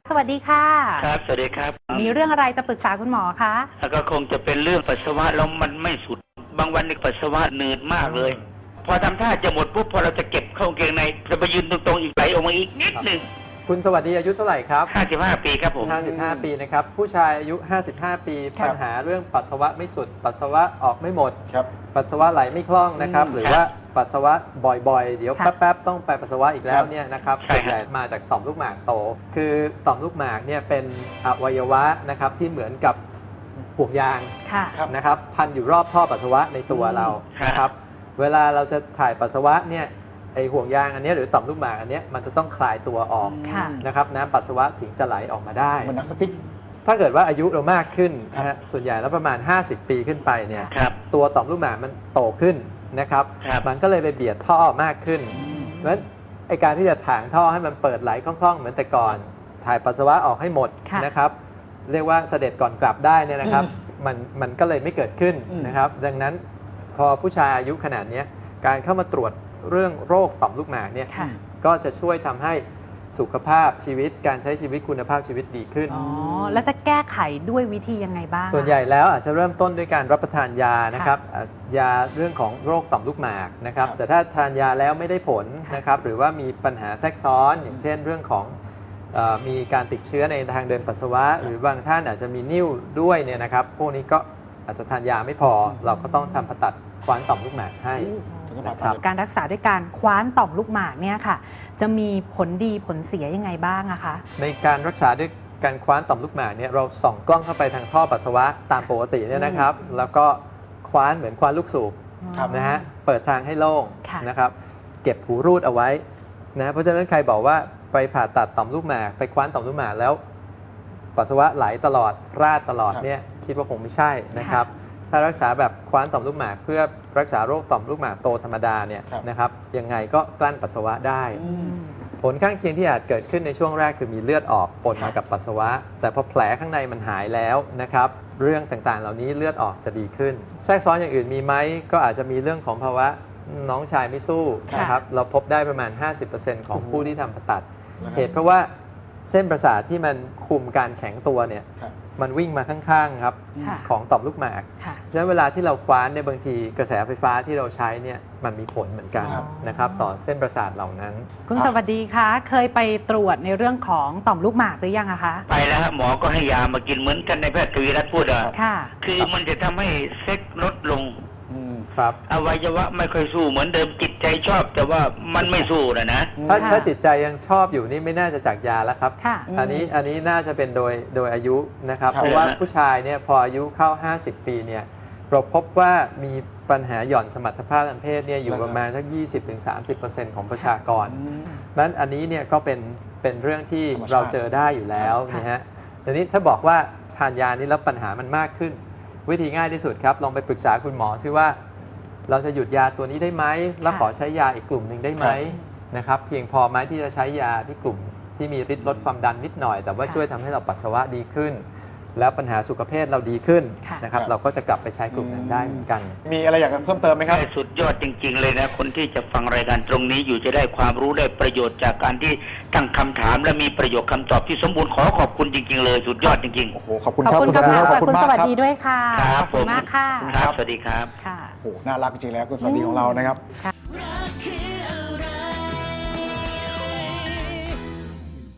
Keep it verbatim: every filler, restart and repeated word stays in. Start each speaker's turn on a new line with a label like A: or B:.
A: สวัสดีค่ะ
B: ครับสวัสดีครับ
A: มีเรื่องอะไรจะปรึกษาคุณหมอคะ
B: แล้วก็คงจะเป็นเรื่องปัสสาวะแล้วมันไม่สุดบางวันนี่ปัสสาวะหนืดมากเลยพอทำท่าจะหมดปุ๊บพอเราจะเก็บเข้ากางเกงในจะไปยืนตรงๆอีกไหลออกมาอีกนิดหนึ่ง
C: คุณสวัสดีอายุเท่าไหร่ครับ
B: ห้าสิบห้าปีครับผม
C: ห้าสิบห้าปีนะครับผู้ชายอายุห้าสิบห้าปีปัญหาเรื่องปัสสาวะไม่สุดปัสสาวะออกไม่หมดปัสสาวะไหลไม่คล่องนะครับหรือว่าปัสสาวะบ่อยๆเดี๋ยวแป๊บๆต้องไปปัสสาวะอีกแล้วเนี่ยนะครับส่วนใหญ่มาจากต่อมลูกหมากโตคือต่อมลูกหมากเนี่ยเป็นอวัยวะนะครับที่เหมือนกับห่วงยางนะครับพันอยู่รอบท่อปัสสาวะในตัวเรานะครับเวลาเราจะถ่ายปัสสาวะเนี่ยไอห่วงยางอันนี้หรือต่อมลูกหมากอันนี้มันจะต้องคลายตัวออกนะครับน้ำปัสสาวะถึงจะไหลออกมาได้
D: เหมือนนักสติ๊ก
C: ถ้าเกิดว่าอายุเรามากขึ้นนะฮะส่วนใหญ่แล้วประมาณห้าสิบปีขึ้นไปเนี่ยตัวต่อมลูกหมากมันโตขึ้นนะครับมันก็เลยไปเบียดท่อมากขึ้นเพราะฉะนั้นไอการที่จะถางท่อให้มันเปิดไหลคล่องๆเหมือนแต่ก่อนถ่ายปัสสาวะออกให้หมดนะครับเรียกว่าเสด็จก่อนกลับได้เนี่ยนะครับมันมันก็เลยไม่เกิดขึ้นนะครับดังนั้นพอผู้ชายอายุขนาดนี้การเข้ามาตรวจเรื่องโรคต่อมลูกหมากเนี่ยก็จะช่วยทำให้สุขภาพชีวิตการใช้ชีวิตคุณภาพชีวิตดีขึ้น
A: อ๋อแล้วจะแก้ไขด้วยวิธียังไงบ้าง
C: ส่วนใหญ่แล้วอาจจะเริ่มต้นด้วยการรับประทานยานะครับยาเรื่องของโรคต่อมลูกหมากนะครับแต่ถ้าทานยาแล้วไม่ได้ผลนะครับหรือว่ามีปัญหาแทรกซ้อนอย่างเช่นเรื่องของมีการติดเชื้อในทางเดินปัสสาวะหรือบางท่านอาจจะมีนิ่วด้วยเนี่ยนะครับพวกนี้ก็อาจจะทานยาไม่พอเราก็ต้องทำผ่าตัดคว้านต่อมลูกหมากให้
A: การรักษาด้วยการคว้านต่อมลูกหมากเนี่ยค่ะจะมีผลดีผลเสียยังไงบ้างอะคะ
C: ในการรักษาด้วยการคว้านต่อมลูกหมากเนี่ยเราส่องกล้องเข้าไปทางท่อปัสสาวะตามปกติเนี่ยนะครับแล้วก็คว้านเหมือนคว้านลูกสูบนะฮะเปิดทางให้โล่งนะครับเก็บหูรูดเอาไว้นะเพราะฉะนั้นใครบอกว่าไปผ่าตัดต่อมลูกหมากไปคว้านต่อมลูกหมากแล้วปัสสาวะไหลตลอดราดตลอดเนี่ยคิดว่าคงไม่ใช่นะครับถ้ารักษาแบบคว้านต่อมลูกหมากเพื่อรักษาโรคต่อมลูกหมากโตธรรมดาเนี่ยนะครับยังไงก็กลั้นปัสสาวะได้ผลข้างเคียงที่อาจเกิดขึ้นในช่วงแรกคือมีเลือดออกปนมากับปัสสาวะแต่พอแผลข้างในมันหายแล้วนะครับเรื่องต่างๆเหล่านี้เลือดออกจะดีขึ้นแทรกซ้อนอย่างอื่นมีไหมก็อาจจะมีเรื่องของภาวะน้องชายไม่สู้นะครับเราพบได้ประมาณ ห้าสิบเปอร์เซ็นต์ ของผู้ที่ทำผ่าตัดเหตุเพราะว่าเส้นประสาทที่มันคุมการแข็งตัวเนี่ยมันวิ่งมาข้างๆครับของต่อมลูกหมากฉะนั้นเวลาที่เราคว้านเนี่ยบางทีกระแสไฟฟ้าที่เราใช้เนี่ยมันมีผลเหมือนกันนะครับต่อเส้นประสาทเหล่านั้น
A: คุณสวัสดีคะเคยไปตรวจในเรื่องของต่อมลูกหมากหรือยังอะคะ
B: ไปแล้วหมอก็ให้ยามากินเหมือนกันในแพทย์ทวีรัตน์พูดอ่ะคือมันจะทำให้เซ็กลดลงอวัยวะไม่ค่อยสู้เหมือนเดิมจิตใจชอบแต่ว่ามันไม่สู้นะนะ
C: ถ้าถ้าจิตใจยังชอบอยู่นี่ไม่น่าจะจากยาแล้วครับอันนี้อันนี้น่าจะเป็นโดยโดยอายุนะครับเพราะว่าผู้ชายเนี่ยพออายุเข้าห้าสิบปีเนี่ยเราพบว่ามีปัญหาหย่อนสมรรถภาพทางเพศเนี่ยอยู่ประมาณสัก ยี่สิบถึงสามสิบเปอร์เซ็นต์ ของประชากรนั้นอันนี้เนี่ยก็เป็นเป็นเรื่องที่เราเจอได้อยู่แล้วนะฮะทีนี้ถ้าบอกว่าทานยานี้แล้วปัญหามันมากขึ้นวิธีง่ายที่สุดครับลองไปปรึกษาคุณหมอซิว่าเราจะหยุดยาตัวนี้ได้ไหมแล้วขอใช้ยาอีกกลุ่มหนึ่งได้ไหมนะครับเพียงพอไหมที่จะใช้ยาที่กลุ่มที่มีฤทธิ์ลดความดันนิดหน่อยแต่ว่าช่วยทำให้เราปัสสาวะดีขึ้นแล้วปัญหาสุขภาพเราดีขึ้นนะครับเราก็จะกลับไปใช้กลุ่มนั้นได้เหมือนกัน
D: มีอะไรอยากจะเพิ่มเติมไหมครับ
B: สุดยอดจริงๆเลยนะคนที่จะฟังรายการตรงนี้อยู่จะได้ความรู้ได้ประโยชน์จากการที่ตั้งคำถามและมีประโยคคำตอบที่สมบูรณ์ขอขอบคุณจริงๆเลยสุดยอดจริงๆ
D: โอ้โหขอบคุณครับ
A: ขอบคุณครับขอบคุณสวัสดีด้วยค่ะ
B: ขอบ
A: คุณมากค่ะ
B: ครับสวัสดีครับ
A: ค่ะ
D: โอ้โหน่ารักจริงๆแล้วคุณสวัสดีของเรานะครับ